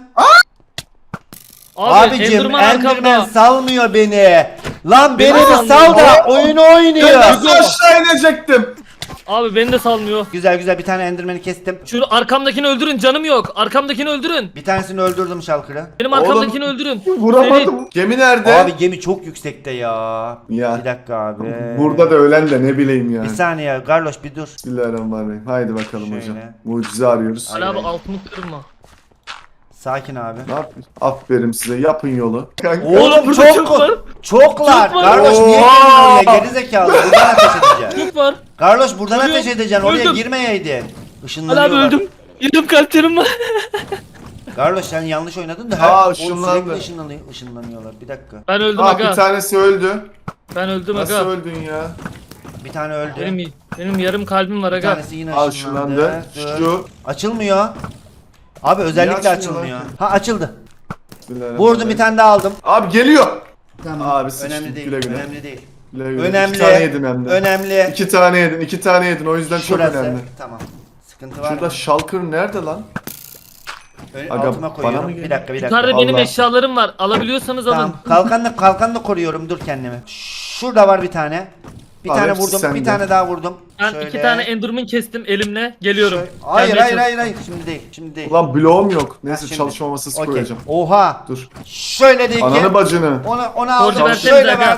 Speaker 3: Abi
Speaker 1: Abicim
Speaker 3: Enderman
Speaker 1: Enderman
Speaker 3: arkamda.
Speaker 1: salmıyor beni. Lan beni
Speaker 3: Beni
Speaker 1: bir
Speaker 3: salmıyor.
Speaker 1: sal da oyunu
Speaker 2: Ben
Speaker 1: oynuyor.
Speaker 2: nasıl aşağı inecektim?
Speaker 3: Abi beni de salmıyor.
Speaker 1: Güzel güzel bir tane Enderman'i kestim.
Speaker 3: Şu arkamdakini öldürün, canım yok. Arkamdakini öldürün.
Speaker 1: Bir tanesini öldürdüm şalkırı.
Speaker 3: Benim
Speaker 2: Oğlum.
Speaker 3: arkamdakini öldürün.
Speaker 2: Vuramadım. Gemi nerede?
Speaker 1: Abi gemi çok yüksekte ya.
Speaker 2: Ya.
Speaker 1: Bir dakika abi.
Speaker 2: Burada da ölen de ne bileyim ya.
Speaker 1: Bir saniye Garloş bir dur.
Speaker 2: Bismillahirrahmanirrahim. Haydi bakalım
Speaker 1: Şöyle.
Speaker 2: hocam. Mucize arıyoruz.
Speaker 1: Ay.
Speaker 3: Ali abi
Speaker 1: Hayır.
Speaker 3: altımı kırma.
Speaker 1: Sakin abi.
Speaker 2: Ne yapıyorsun? Aferin size. Yapın yolu. Kanka.
Speaker 1: Oğlum
Speaker 3: burada
Speaker 1: çok
Speaker 3: çok var.
Speaker 1: Çoklar.
Speaker 3: Çok var.
Speaker 1: Garloş niye
Speaker 2: Oo.
Speaker 1: girdin oraya? Gerizekalı. Buradan ateş edeceksin.
Speaker 3: Çok var.
Speaker 1: Garloş buradan
Speaker 3: Ölüyorum.
Speaker 1: ateş edeceksin. Oraya
Speaker 3: Öldüm.
Speaker 1: girmeyeydin.
Speaker 3: Ali
Speaker 1: Işınlanıyorlar.
Speaker 3: abi öldüm. Yarım kalplerim var.
Speaker 1: Garloş sen yanlış oynadın da.
Speaker 2: Aa,
Speaker 1: o
Speaker 2: ışınlandı.
Speaker 1: sürekli ışınlanıyor, ışınlanıyorlar. Bir dakika.
Speaker 3: Ben öldüm
Speaker 2: Aa, bir
Speaker 3: aga.
Speaker 2: tanesi öldü.
Speaker 3: Ben öldüm
Speaker 2: Nasıl
Speaker 3: aga.
Speaker 2: öldün ya?
Speaker 1: Bir tane öldü.
Speaker 3: Benim benim yarım kalbim var
Speaker 1: Bir
Speaker 3: aga.
Speaker 1: tanesi yine
Speaker 2: Al
Speaker 1: ışınlandı.
Speaker 2: şunlandı.
Speaker 1: Dur.
Speaker 2: Şu.
Speaker 1: Açılmıyor. Abi özellikle
Speaker 2: açmıyor
Speaker 1: açılmıyor.
Speaker 2: lan?
Speaker 1: Ha açıldı.
Speaker 2: Bismillahirrahmanirrahim.
Speaker 1: Vurdum bir tane daha aldım.
Speaker 2: Abi geliyor.
Speaker 1: Tamam.
Speaker 2: Abi sıçtım.
Speaker 1: önemli değil.
Speaker 2: Güle güle.
Speaker 1: Önemli değil.
Speaker 2: Güle güle.
Speaker 1: Önemli.
Speaker 2: İki tane yedin hem de.
Speaker 1: Önemli.
Speaker 2: İki tane yedin. iki tane yedin. O yüzden
Speaker 1: Şurası.
Speaker 2: çok önemli.
Speaker 1: Tamam. Sıkıntı var
Speaker 2: Şurada
Speaker 1: mı?
Speaker 2: Shulker nerede lan?
Speaker 1: Ö-
Speaker 2: Aga,
Speaker 1: altıma
Speaker 2: bana
Speaker 1: koyuyorum.
Speaker 2: mı
Speaker 1: Bir
Speaker 2: geliyor?
Speaker 1: dakika bir dakika.
Speaker 3: Yukarıda benim
Speaker 2: Allah.
Speaker 3: eşyalarım var. Alabiliyorsanız alın.
Speaker 1: Tamam. Kalkanla kalkanla koruyorum. Dur kendimi. Şurada var bir tane. Bir
Speaker 2: Abi,
Speaker 1: tane
Speaker 2: hepsi
Speaker 1: vurdum.
Speaker 2: sende.
Speaker 1: Bir tane daha vurdum.
Speaker 3: Ben
Speaker 1: Şöyle.
Speaker 3: iki tane Enderman kestim elimle. Geliyorum.
Speaker 1: Şöyle- Hayır
Speaker 3: Gelmeye
Speaker 1: hayır
Speaker 3: çalış-
Speaker 1: hayır hayır. Şimdi değil. Şimdi değil.
Speaker 2: Ulan bloğum yok. Neyse
Speaker 1: şimdi.
Speaker 2: çalışma masası
Speaker 1: Okey.
Speaker 2: koyacağım.
Speaker 1: Oha.
Speaker 2: Dur.
Speaker 1: Şöyle de iki.
Speaker 2: Ananı bacını.
Speaker 1: Onu onu aldım.
Speaker 3: versenize
Speaker 1: Şöyle
Speaker 3: aga.
Speaker 1: verdim.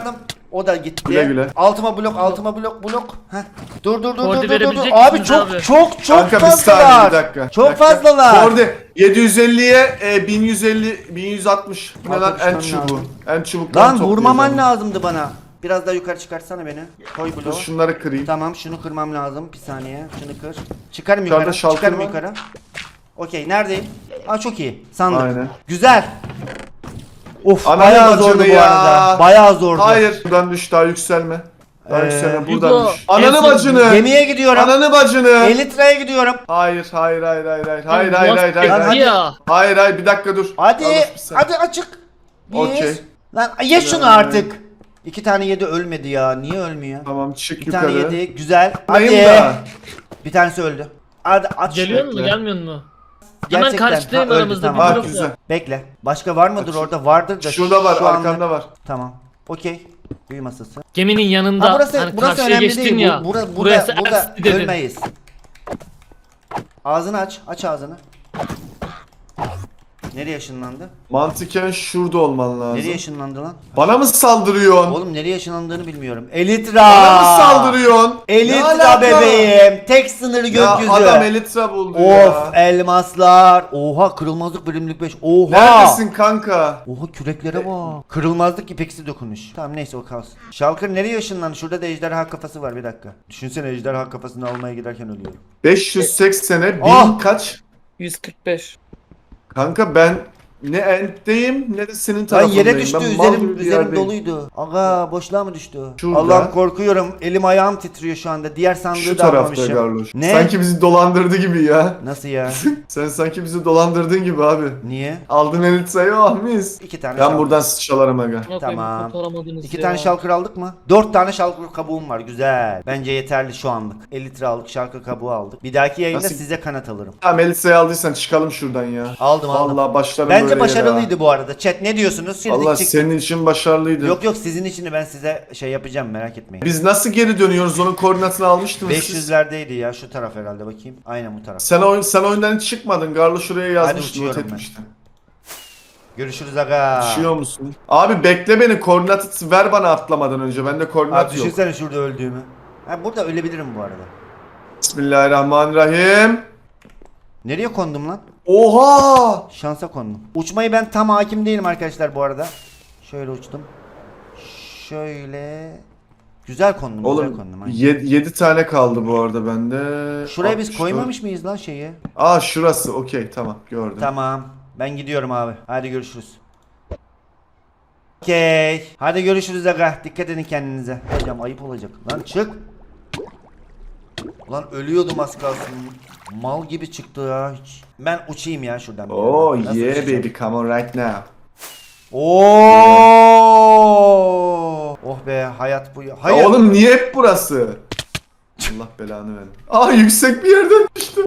Speaker 1: O da gitti.
Speaker 2: Güle güle.
Speaker 1: Altıma blok, altıma blok, blok. Heh. Dur dur dur dur
Speaker 3: Kordi
Speaker 1: dur dur.
Speaker 3: verebilecek
Speaker 1: Abi
Speaker 3: misiniz
Speaker 1: çok
Speaker 3: abi?
Speaker 1: çok çok
Speaker 2: Kanka bir saniye
Speaker 1: fazlalar.
Speaker 2: bir dakika.
Speaker 1: Çok
Speaker 2: bir dakika.
Speaker 1: fazlalar.
Speaker 2: Orada yedi yüz elliye e, bin yüz elli bin yüz altmış. Bu ne lan
Speaker 1: Arkadaşlar
Speaker 2: en çubuğu.
Speaker 1: lazım.
Speaker 2: En çubuklarını
Speaker 1: Lan vurmaman
Speaker 2: toplayacağım.
Speaker 1: lazımdı bana. Biraz daha yukarı çıkartsana beni. Koy
Speaker 2: Dur
Speaker 1: bloğu.
Speaker 2: şunları kırayım.
Speaker 1: Tamam şunu kırmam lazım. Bir saniye. Şunu kır. Çıkarım
Speaker 2: Yukarıda
Speaker 1: yukarı.
Speaker 2: şalkır
Speaker 1: Çıkarım
Speaker 2: var.
Speaker 1: yukarı. Okey neredeyim? Aa çok iyi. Sandık.
Speaker 2: Aynen.
Speaker 1: Güzel. Of
Speaker 2: Ananı
Speaker 1: bayağı
Speaker 2: bacını
Speaker 1: zordu bu
Speaker 2: ya.
Speaker 1: arada. Bayağı zordu.
Speaker 2: Hayır. Buradan düş daha yükselme. Daha
Speaker 1: Ee,
Speaker 2: yükselme buradan
Speaker 3: Hugo,
Speaker 2: düş. Ananı
Speaker 3: en son
Speaker 2: bacını.
Speaker 1: Gemiye gidiyorum.
Speaker 2: Ananı bacını.
Speaker 1: Elitra'ya gidiyorum.
Speaker 2: Hayır hayır hayır hayır hayır hayır
Speaker 3: Lan
Speaker 2: hayır
Speaker 3: nasıl
Speaker 2: hayır hayır
Speaker 1: Lan
Speaker 3: yaptı
Speaker 2: hayır
Speaker 3: ya?
Speaker 2: hayır hayır bir dakika dur.
Speaker 1: Hadi.
Speaker 2: Yanlış bir saniye.
Speaker 1: Hadi açık. Bir.
Speaker 2: Okey.
Speaker 1: Lan ye şunu
Speaker 2: Ee,
Speaker 1: artık. İki tane yedi ölmedi ya. Niye ölmüyor?
Speaker 2: Tamam çık
Speaker 1: Bir
Speaker 2: yukarı.
Speaker 1: tane yedi. Güzel.
Speaker 2: Neyim
Speaker 1: Hadi.
Speaker 2: da?
Speaker 1: Bir tanesi öldü. Hadi aç.
Speaker 3: Geliyor mu
Speaker 2: Bekle.
Speaker 3: gelmiyor mu? Hemen
Speaker 1: Gerçekten.
Speaker 3: karşıdayım
Speaker 1: Ha, öldü,
Speaker 3: aramızda
Speaker 1: tamam.
Speaker 3: bir
Speaker 2: Ah
Speaker 3: blok
Speaker 2: güzel.
Speaker 3: var.
Speaker 1: Bekle. Başka var mıdır
Speaker 2: Aç.
Speaker 1: orada? Vardır da.
Speaker 2: Şurada var
Speaker 1: şu anda-
Speaker 2: arkanda var.
Speaker 1: Tamam. Okey. Büyü masası.
Speaker 3: Geminin yanında
Speaker 1: Ha, burası
Speaker 3: hani
Speaker 1: burası
Speaker 3: karşıya
Speaker 1: önemli
Speaker 3: geçtin
Speaker 1: değil.
Speaker 3: ya.
Speaker 1: Bu, burada
Speaker 3: burası
Speaker 1: burada, burada
Speaker 3: Ersti dedin.
Speaker 1: ölmeyiz. Ağzını aç. Aç ağzını. Nereye ışınlandı?
Speaker 2: Mantıken şurada olman lazım.
Speaker 1: Nereye ışınlandı lan?
Speaker 2: Bana mı saldırıyorsun?
Speaker 1: Oğlum nereye ışınlandığını bilmiyorum. Elitra.
Speaker 2: Bana mı saldırıyorsun? Ne
Speaker 1: Elitra
Speaker 2: alaka?
Speaker 1: bebeğim. Tek sınır
Speaker 2: Ya
Speaker 1: gökyüzü.
Speaker 2: adam Elitra buldu
Speaker 1: Of
Speaker 2: ya.
Speaker 1: elmaslar. Oha kırılmazlık bölümlük beş. Oha.
Speaker 2: Neredesin kanka?
Speaker 1: Oha küreklere bak. Kırılmazlık ipeksi dokunuş. Tamam neyse o kalsın. Şalkır nereye ışınlandı? Şurada da ejderha kafası var bir dakika. Düşünsene ejderha kafasını almaya giderken ölüyorum.
Speaker 2: beş yüz seksene bin
Speaker 1: Ah!
Speaker 2: kaç?
Speaker 3: yüz kırk beş.
Speaker 2: Kanka ben ne entteyim ne de senin
Speaker 1: Lan
Speaker 2: tarafındayım.
Speaker 1: yere düştü
Speaker 2: Ben mal
Speaker 1: üzerim,
Speaker 2: gibi bir
Speaker 1: üzerim
Speaker 2: yerdeyim.
Speaker 1: doluydu. Aga boşluğa mı düştü?
Speaker 2: Şurada.
Speaker 1: Allah'ım korkuyorum. Elim ayağım titriyor şu anda. Diğer sandığı
Speaker 2: Şu
Speaker 1: da
Speaker 2: tarafta
Speaker 1: almamışım.
Speaker 2: Garloş.
Speaker 1: Ne?
Speaker 2: Sanki bizi dolandırdı gibi ya.
Speaker 1: Nasıl ya?
Speaker 2: Sen sanki bizi dolandırdın gibi abi.
Speaker 1: Niye?
Speaker 2: Aldın Elitra'yı oh mis.
Speaker 1: İki tane
Speaker 2: Ben
Speaker 1: şalkır.
Speaker 2: buradan sıçralarım aga.
Speaker 1: Tamam. İki
Speaker 3: ya.
Speaker 1: tane şalkır aldık mı? Dört tane şalkır kabuğum var. Güzel. Bence yeterli şu anlık. elli litre aldık. Şalkır kabuğu aldık. Bir dahaki yayında
Speaker 2: Nasıl-
Speaker 1: size kanat alırım.
Speaker 2: Tamam Elitra'yı aldıysan çıkalım şuradan ya.
Speaker 1: Aldım aldım.
Speaker 2: Vallahi başlarım böyle
Speaker 1: Bence
Speaker 2: yere
Speaker 1: başarılıydı
Speaker 2: ha.
Speaker 1: bu arada. Chat ne diyorsunuz? Girdik
Speaker 2: Allah
Speaker 1: çıktık.
Speaker 2: senin için başarılıydı.
Speaker 1: Yok yok sizin için de ben size şey yapacağım merak etmeyin.
Speaker 2: Biz nasıl geri dönüyoruz? Onun koordinatını almıştınız siz.
Speaker 1: beş yüzlerdeydi ya şu taraf herhalde bakayım. Aynen bu taraf.
Speaker 2: Sen oyun sen oyundan hiç çıkmadın. Garlo şuraya yazmıştı,
Speaker 1: uçuyorum
Speaker 2: not
Speaker 1: ben.
Speaker 2: etmişti.
Speaker 1: Görüşürüz aga.
Speaker 2: Düşüyor musun? Abi bekle beni. Koordinatı ver bana atlamadan önce. Bende koordinat
Speaker 1: Abi
Speaker 2: yok.
Speaker 1: düşünsene şurada öldüğümü. Ha burada ölebilirim bu arada.
Speaker 2: Bismillahirrahmanirrahim.
Speaker 1: Nereye kondum lan?
Speaker 2: Oha!
Speaker 1: Şansa kondum. Uçmayı ben tam hakim değilim arkadaşlar bu arada. Şöyle uçtum. Şöyle. Güzel kondum. güzel
Speaker 2: Oğlum
Speaker 1: kondum. aynen.
Speaker 2: yedi tane kaldı bu arada bende.
Speaker 1: Şuraya biz
Speaker 2: altmış dört.
Speaker 1: koymamış mıyız lan şeyi?
Speaker 2: Aa şurası. Okey tamam gördüm.
Speaker 1: Tamam. Ben gidiyorum abi. Hadi görüşürüz. Okey. Hadi görüşürüz aga. Dikkat edin kendinize. Hocam ayıp olacak. Lan çık. Ulan ölüyordum az kalsın. Mal gibi çıktı ya hiç. Ben uçayım ya şuradan. bir
Speaker 2: Oh
Speaker 1: yerden. Nasıl
Speaker 2: yeah
Speaker 1: uçacağım?
Speaker 2: baby come on right now.
Speaker 1: Oo! Oh be hayat bu ya. Hayır.
Speaker 2: Ya oğlum niye hep burası? Allah belanı verin. Aa yüksek bir yerden düştüm.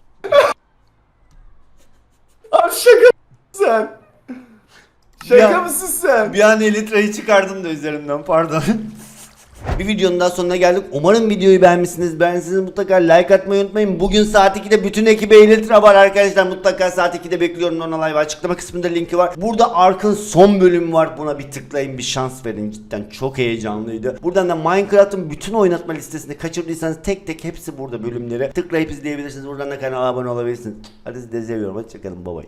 Speaker 2: Abi şaka mısın sen? Şaka
Speaker 1: Ya-
Speaker 2: mısın sen?
Speaker 1: Bir an elitreyi çıkardım da üzerimden pardon. Bir videonun daha sonuna geldik. Umarım videoyu beğenmişsiniz. Beğendiyseniz mutlaka like atmayı unutmayın. Bugün saat ikide bütün ekibe Elytra var arkadaşlar. Mutlaka saat ikide bekliyorum. Ona live açıklama kısmında linki var. Burada Ark'ın son bölümü var. Buna bir tıklayın, bir şans verin. Cidden çok heyecanlıydı. Buradan da Minecraft'ın bütün oynatma listesini kaçırdıysanız tek tek hepsi burada bölümleri. Tıklayıp izleyebilirsiniz. Buradan da kanala abone olabilirsiniz. Hadi sizi de seviyorum. Hoşçakalın. Bye bye.